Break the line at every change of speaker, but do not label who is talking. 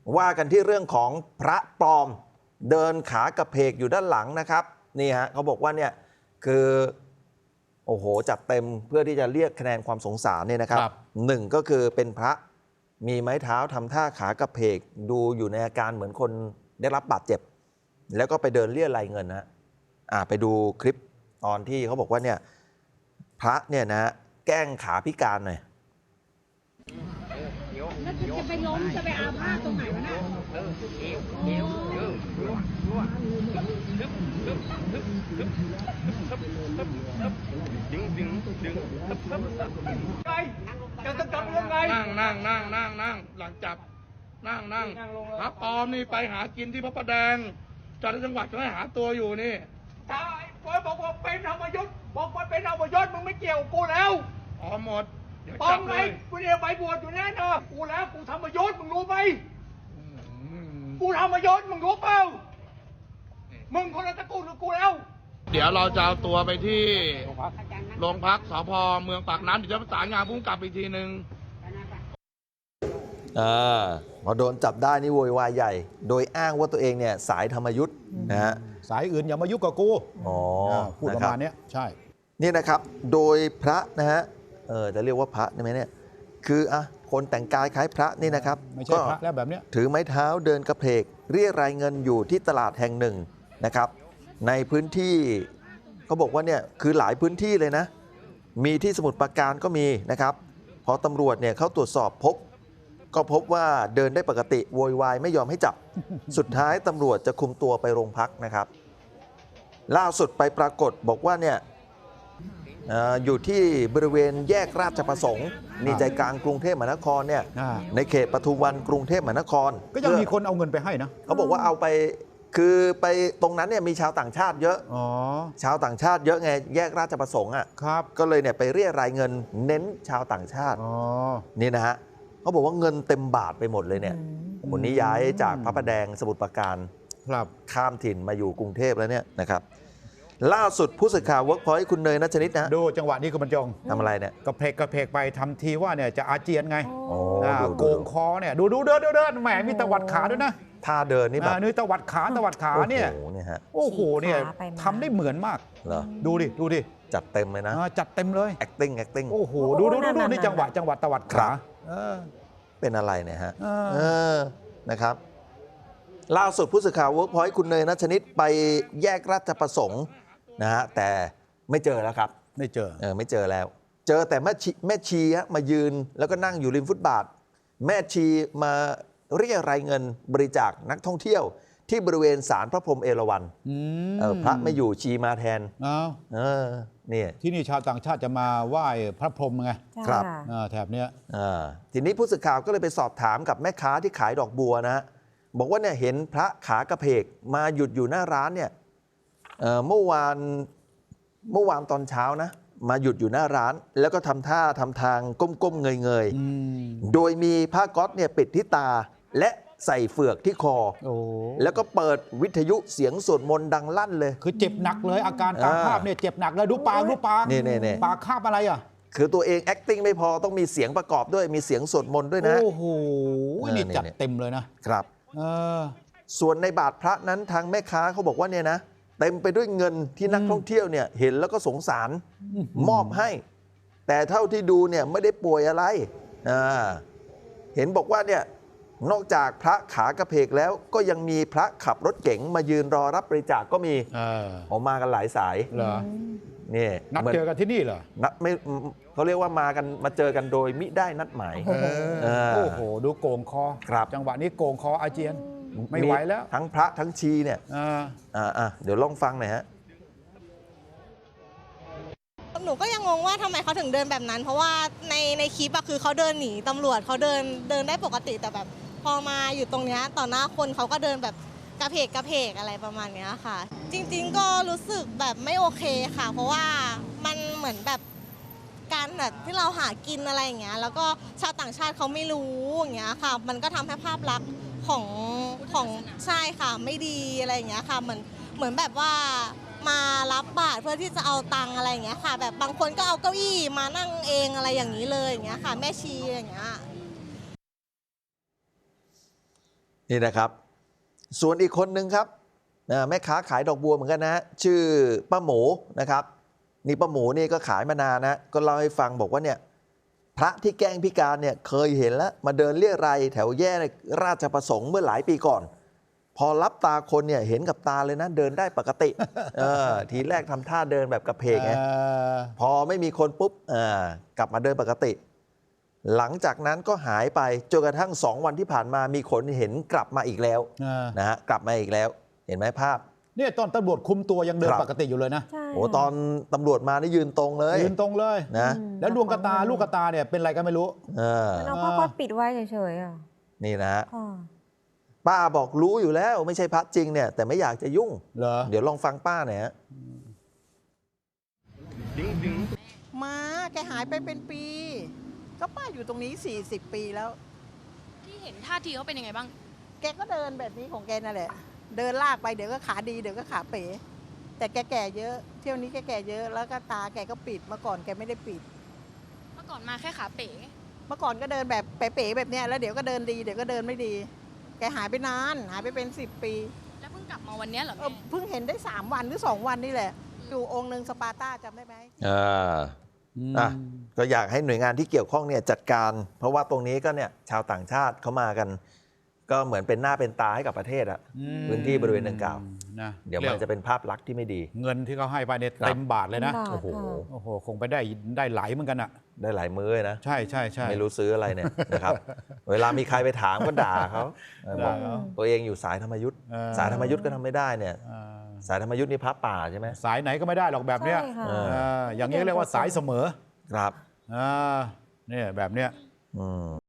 ว่ากันที่เรื่องของพระปลอมเดินขากระเพกอยู่ด้านหลังนะครับนี่ฮะเขาบอกว่าเนี่ยคือโอ้โหจัดเต็มเพื่อที่จะเรียกคะแนนความสงสารเนี่ยนะครับหนึ่งก็คือเป็นพระมีไม้เท้าทำท่าขากระเพกดูอยู่ในอาการเหมือนคนได้รับบาดเจ็บแล้วก็ไปเดินเรียรายเงินนะไปดูคลิปตอนที่เขาบอกว่าเนี่ยพระเนี่ยนะแกล้งขาพิการหน่อย
แล้วจะไปล้มจะไปอาพาธตรงไหนวะเนี่ย
จะจับยังไงนั่งหลังจับนั่งพระปลอมนี่ไปหากินที่พระประแดงจังหวัดก็ให้หาตัวอยู่นี่ถ้าไอ้คนบอกว่าเป็นธรรมยุทธ์บอกว่าเป็นธรรมยุทธ์มึงไม่เกี่ยวกูแล้วอ๋อหมดปลอมไงกูเนี่ยไปบวชอยู่แน่นอนกูแล้วกูธรรมยุทธ์มึงรู้ไหมกูธรรมยุทธ์มึงรู้เปล่ามึงคนละตระกูลกับกูแล้วเดี๋ยวเราจะเอาตัวไปที่โรงพักสพเมืองปากน้ำเดี๋ยวจะประสานงานผู้กำกับอีกทีนึง
พอโดนจับได้นี่โวยวายใหญ่โดยอ้างว่าตัวเองเนี่ยสายธรรมยุทธ์นะฮะ
สายอื่นอย่ามายุ่งกับกูพูดประมาณนี้ใช่
นี่นะครับโดยพระนะฮะจะเรียกว่าพระได้ไหมเนี่ยคือคนแต่งกายคล้ายพระนี่นะครับ
ไม่ใช่พระแล้วแบบนี้
ถือไม้เท้าเดินกระเพกเรียรายเงินอยู่ที่ตลาดแห่งหนึ่งนะครับในพื้นที่เขาบอกว่าเนี่ยคือหลายพื้นที่เลยนะมีที่สมุทรปราการก็มีนะครับพอตำรวจเนี่ยเขาตรวจสอบก็พบว่าเดินได้ปกติโวยวายไม่ยอมให้จับ สุดท้ายตำรวจจะคุมตัวไปโรงพักนะครับล่าสุดไปปรากฏบอกว่าเนี่ยอยู่ที่บริเวณแยกราชประสงค์นี่ใจกลางกรุงเทพมหานครเนี่ยในเขตปทุมวันกรุงเทพมหานคร
ก็ยังมีคนเอาเงินไปให้นะ
เขาบอกว่าเอาไปคือไปตรงนั้นเนี่ยมีชาวต่างชาติเยอะชาวต่างชาติเยอะไงแยกราชประสงค์
ครับ
ก็เลยเนี่ยไปเรียรายเงินเน้นชาวต่างชาตินี่นะฮะเขาบอกว่าเงินเต็มบาทไปหมดเลยเนี่ยคนนี้ย้ายจากพระประแดงสมุทรปราการข้ามถิ่นมาอยู่กรุงเทพแล้วเนี่ยนะครับล่าสุดผู้สื่อข่าวเวิร์กพอยต์คุณเนยณชนิดนะ
ดูจังหวะนี้ก็บรรจง
ทำอะไรเนี่ย
กระเพกไปทำทีว่าเนี่ยจะอาเจียนไงโกงคอเนี่ยดูเดินแหมมีตวัดขาด้วยนะ
ท่าเดินนี่แบบ
นี่ตวัดขาเนี่ยโอ้โหเนี่ยทำได้เหมือนมากดูดิ
จัดเต็มเลยนะ
จัดเต็มเลย
acting
โอ้โหดูนี่จังหวะตวัดขา
เป็นอะไรเนี่ยฮะนะครับล่าสุดผู้สื่อข่าวเวิร์กพอยต์คุณเนยณชนิดไปแยกราชประสงค์นะฮะแต่ไม่เจอแล้วครับ
ไม่เจอ
แล้วเจอแต่แม่ชีมายืนแล้วก็นั่งอยู่ริมฟุตบาทแม่ชีมาเรียรายเงินบริจาคนักท่องเที่ยวที่บริเวณศาลพระพรหมเอราวัณพระไม่อยู่ชีมาแทน
นี่ที่นี่ชาวต่างชาติจะมาไหว้พระพรหมไง
ครับ
แถบเนี้ย
ทีนี้ผู้สื่อข่าวก็เลยไปสอบถามกับแม่ค้าที่ขายดอกบัวนะบอกว่าเนี่ยเห็นพระขากระเพกมาหยุดอยู่หน้าร้านเนี่ยเมื่อวานตอนเช้านะมาหยุดอยู่หน้าร้านแล้วก็ทำท่าทำทางก้มๆเงยๆโดยมีผ้าก๊อซเนี่ยปิดที่ตาและใส่เฟือกที่คอแล้วก็เปิดวิทยุเสียงสวดมนต์ดังลั่นเลย
คือเจ็บหนักเลยอาการตามภาพเนี่ยเจ็บหนักเลยดูปาก
นี่
ปากคาบอะไรอ่ะ
คือตัวเอง acting ไม่พอต้องมีเสียงประกอบด้วยมีเสียงสวดมนต์ด้วยนะ
โอ้โหนี่จัดเต็มเลย
นะครับส่วนในบาทพระนั้นทางแม่ค้าเขาบอกว่าเนี่ยนะเต็มไปด้วยเงินที่นักท่องเที่ยวเนี่ยเห็นแล้วก็สงสารมอบให้แต่เท่าที่ดูเนี่ยไม่ได้ป่วยอะไรเห็นบอกว่าเนี่ยนอกจากพระขากระเพกแล้วก็ยังมีพระขับรถเก๋งมายืนรอรับบริจาคก็มีออกมากันหลายสาย
เหรอ
นี่
นัดเจอกันที่นี่เหรอ
นัดไม่เขาเรียกว่ามาเจอกันโดยมิได้นัดหมาย
โอ้โหดูโกงคอจังหวะนี้โกงคออาเจียนไม่ไหวแล้ว
ทั้งพระทั้งชีเนี่ยเดี๋ยวลองฟังหน่อยฮะ
หนูก็ยังงงว่าทำไมเขาถึงเดินแบบนั้นเพราะว่าในคลิปคือเขาเดินหนีตำรวจเขาเดินได้ปกติแต่แบบพอมาอยู่ตรงนี้ต่อหน้าคนเขาก็เดินแบบกระเพกอะไรประมาณนี้ค่ะจริงๆก็รู้สึกแบบไม่โอเคค่ะเพราะว่ามันเหมือนแบบการแบบที่เราหากินอะไรอย่างเงี้ยแล้วก็ชาวต่างชาติเขาไม่รู้อย่างเงี้ยค่ะมันก็ทำให้ภาพลักษณ์ของใช่ค่ะไม่ดีอะไรอย่างเงี้ยค่ะเหมือนแบบว่ามารับบาตรเพื่อที่จะเอาตังอะไรอย่างเงี้ยค่ะแบบบางคนก็เอาเก้าอี้มานั่งเองอะไรอย่างนี้เลยอย่างเงี้ยค่ะแม่ชีอย่างเงี้ย
นี่นะครับ ส่วนอีกคนนึงครับแม่ค้าขายดอกบัวเหมือนกันนะชื่อป้าหมูนะครับนี่ป้าหมูนี่ก็ขายมานานนะก็เล่าให้ฟังบอกว่าเนี่ยพระที่แกล้งพิการเนี่ยเคยเห็นแล้วมาเดินเรี่ยไรแถวแย่ราชประสงค์เมื่อหลายปีก่อน พอรับตาคนเนี่ยเห็นกับตาเลยนะเดินได้ปกติทีแรกทำท่าเดินแบบกระเพกไงพอไม่มีคนปุ๊บกลับมาเดินปกติ หลังจากนั้นก็หายไปจนกระทั่ง2 วันที่ผ่านมามีคนเห็นกลับมาอีกแล้วนะฮะกลับมาอีกแล้วเห็นไหมภาพ
เนี่ยตอนตำรวจคุมตัวยังเดินปกติอยู่เลยนะ
ใช่
โอ้ตอนตำรวจมานี่ยืนตรงเลย
ยืนตรงเลย
นะ
แล้วดวงกระตาลูกกระตาเนี่ยเป็นอะไรก็ไม่รู้
มันเอาผ้าก๊อซปิดไว้เฉยๆอ่ะ
นี่นะฮะ
ค่ะ
ป้าบอกรู้อยู่แล้วไม่ใช่พระจริงเนี่ยแต่ไม่อยากจะยุ่ง
เหรอ
เดี๋ยวลองฟังป้าหน่อยฮะ
มาแกหายไปเป็นปี ก็ป้าอยู่ตรงนี้ 40 ปีแล้ว
ที่เห็นท่าทีเขาเป็นยังไงบ้าง
แกก็เดินแบบนี้ของแกนั่นแหละ เดินลากไปเดี๋ยวก็ขาดีเดี๋ยวก็ขาเป๋ แต่แกแก่เยอะ เที่ยวนี้แกแก่เยอะแล้วก็ตาแกก็ปิดเมื่อก่อนแกไม่ได้ปิด
เมื่อก่อนมาแค่ขาเป๋
เมื่อก่อนก็เดินแบบเป๋ๆแบบเนี้ยแล้วเดี๋ยวก็เดินดีเดี๋ยวก็เดินไม่ดี แกหายไปนานหายไปเป็น 10 ปี
แล้วเพิ่งกลับมาวันเนี้ยเหรอแม่
เพิ่งเห็นได้ 3 วันหรือ 2 วันนี่แหละอยู่องค์หนึ่งสปาร์ต้าจำได้ไหม
อ่ะก็อยากให้หน่วยงานที่เกี่ยวข้องเนี่ยจัดการ เพราะว่าตรงนี้ก็เนี่ยชาวต่างชาติเขามากัน ก็เหมือนเป็นหน้าเป็นตาให้กับประเทศอะพื้นที่บริเวณดังกล่าว
นะ
เดี๋ยวมันจะเป็นภาพลักษณ์ที่ไม่ดี
เงินที่เขาให้ไปเนี่ย
ครับ
เต็มบาทเลยนะ
เต็มบาท
โอ้โห
ค่ะ
โอ้โหคงไปได้ไหลเหมือนกันอ่ะ
ได้หลายมื้อเลยนะ
ใช่ใช่ใช่
ไม่รู้ซื้ออะไรเนี่ยนะครับ เวลามีใครไปถามก็ด่าเขาบอก
ด่าเขา
ตัวเองอยู่สายธรรมยุทธ์
เออ
สายธรรมยุทธ์ก็ทำไม่ได้เนี่ย
อ่า
สายธรรมยุทธ์นี่พระป่าใช่ไหม
สายไหนก็ไม่ได้หรอกแบบเนี้ย
ใช่ค่ะ
อย่างนี้เรียกว่าสายเสมอ
ครับ
เนี่ยแบบเนี้ย
อืม